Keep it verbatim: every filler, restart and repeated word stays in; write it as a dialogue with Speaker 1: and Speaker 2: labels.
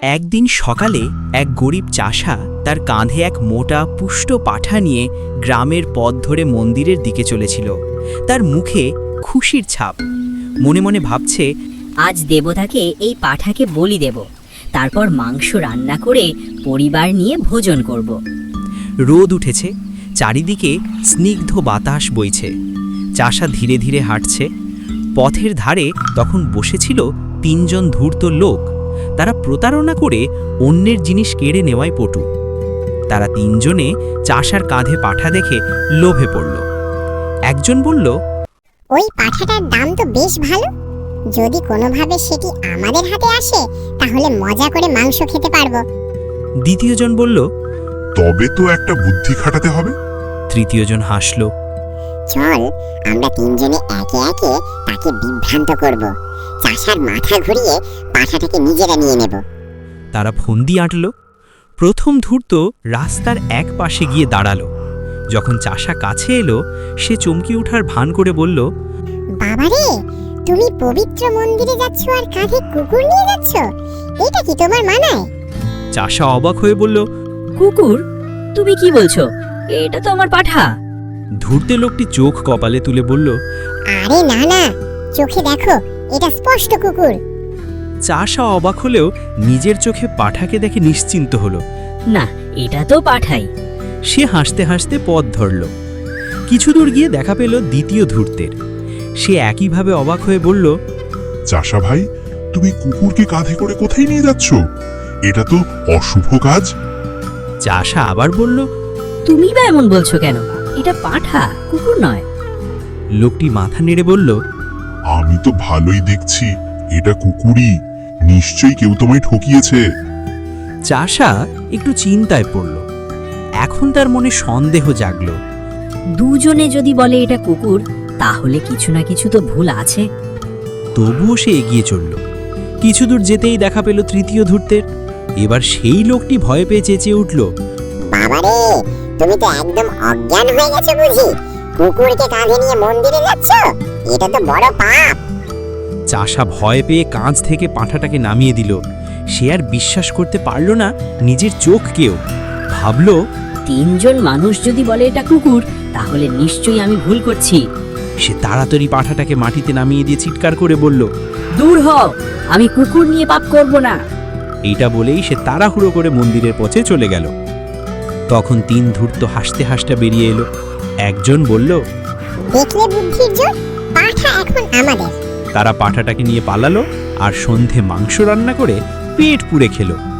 Speaker 1: একদিন সকালে এক গরিব চাষা তার কাঁধে এক মোটা পুষ্ট পাঠা নিয়ে গ্রামের পথ ধরে মন্দিরের দিকে চলেছিল। তার মুখে খুশির ছাপ। মনে মনে ভাবছে,
Speaker 2: আজ দেবতাকে এই পাঠাকে বলি দেব, তারপর মাংস রান্না করে পরিবার নিয়ে ভোজন করব।
Speaker 1: রোদ উঠেছে, চারিদিকে স্নিগ্ধ বাতাস বইছে। চাষা ধীরে ধীরে হাঁটছে। পথের ধারে তখন বসেছিল তিনজন ধূর্ত লোক। তারা প্রতারণা করে অন্যের জিনিস কেড়ে নেওয়ায় পটু। তারা তিনজনে চাষার কাঁধে পাঠা দেখে লোভে পড়ল। একজন বলল,
Speaker 3: ওই পাঠাটার দাম তো বেশ ভালো, যদি কোনোভাবে সেটি আমাদের হাতে আসে তাহলে মজা করে মাংস খেতে পারবো।
Speaker 1: দ্বিতীয়জন বলল,
Speaker 4: তবে তো একটা বুদ্ধি খাটাতে হবে।
Speaker 1: তৃতীয়জন হাসল।
Speaker 3: চল আমরা তিনজনে একে একে তাকে বিভ্রান্ত করব, চাষার মাথা ঘুরিয়ে পাঠাটাকে নিজেরা নিয়ে নেব।
Speaker 1: তারা ফন্দি আঁটল। প্রথম ধূর্ত রাস্তার এক পাশে গিয়ে দাঁড়ালো। যখন চাষা কাছে এলো, সে চমকে ওঠার ভান করে বলল,
Speaker 3: বাবারে, তুমি পবিত্র মন্দিরে যাচ্ছ আর কাঁধে কুকুর নিয়ে যাচ্ছ, এটা কি তোমার মানায়?
Speaker 1: চাষা অবাক হয়ে বলল,
Speaker 2: কুকুর? তুমি কি বলছো? এটা তো আমার পাঠা।
Speaker 1: ধূর্তে লোকটি চোখ কপালে তুলে বলল,
Speaker 3: আরে না না, চোখে দেখো, এটা স্পষ্ট কুকুর।
Speaker 1: চাষা অবাক হলেও নিজের চোখে পাঠাকে দেখে নিশ্চিন্ত হলো।
Speaker 2: না, এটা তো পাঠাই।
Speaker 1: সে হাসতে হাসতে পথ ধরল। কিছু দূর গিয়ে দেখা পেল দ্বিতীয় ধূর্তের। সে একইভাবে অবাক হয়ে বলল,
Speaker 4: চাষা ভাই, তুমি কুকুরকে কাঁধে করে কোথায় নিয়ে যাচ্ছ? এটা তো অশুভ কাজ।
Speaker 1: চাষা আবার বলল,
Speaker 2: তুমি বা এমন বলছো কেন? এটা পাঠা, কুকুর নয়।
Speaker 1: লোকটি মাথা নেড়ে বলল,
Speaker 4: আমি তো ভালোই দেখছি, এটা কুকুরই। নিশ্চয়ই কেউ তোমায় ঠকিয়েছে।
Speaker 1: চাষা একটু চিন্তায় পড়ল। এখন তার মনে সন্দেহ জাগল।
Speaker 2: দুজনে যদি বলে এটা কুকুর, তাহলে কিছু না কিছু তো ভুল আছে।
Speaker 1: তবুও সে এগিয়ে চলল। কিছু দূর যেতেই দেখা পেল তৃতীয় ধূর্তের। এবার সেই লোকটি ভয় পেয়ে চেঁচিয়ে উঠল,
Speaker 3: বাবারে, তুমি তো একদম অজ্ঞান হয়ে গেছো বুঝি? কুকুরকে কাঁধে নিয়ে মন্দিরে যাচ্ছ, এটা তো বড় পাপ।
Speaker 1: চাষা ভয় পেয়ে কাঁধ থেকে পাঁঠাটাকে নামিয়ে দিল। সে আর বিশ্বাস করতে পারল না নিজের চোখকেও। ভাবল,
Speaker 2: তিনজন মানুষ যদি বলে এটা কুকুর, তাহলে নিশ্চয়ই আমি ভুল করছি।
Speaker 1: সে তাড়াতাড়ি পাঁঠাটাকে মাটিতে নামিয়ে দিয়ে চিৎকার করে বলল,
Speaker 2: দূর হও, আমি কুকুর নিয়ে পাপ করব না।
Speaker 1: এইটা বলেই সে তাড়াহুড়ো করে মন্দিরের পথে চলে গেল। তখন তিন ধূর্ত হাসতে হাসতে বেরিয়ে এলো। একজন বলল,
Speaker 3: দেখলে বুদ্ধির জোর, পাঠা এখন আমাদের।
Speaker 1: তারা পাঁঠাটাকে নিয়ে পালালো আর সন্ধে মাংস রান্না করে পেট পুড়ে খেলো।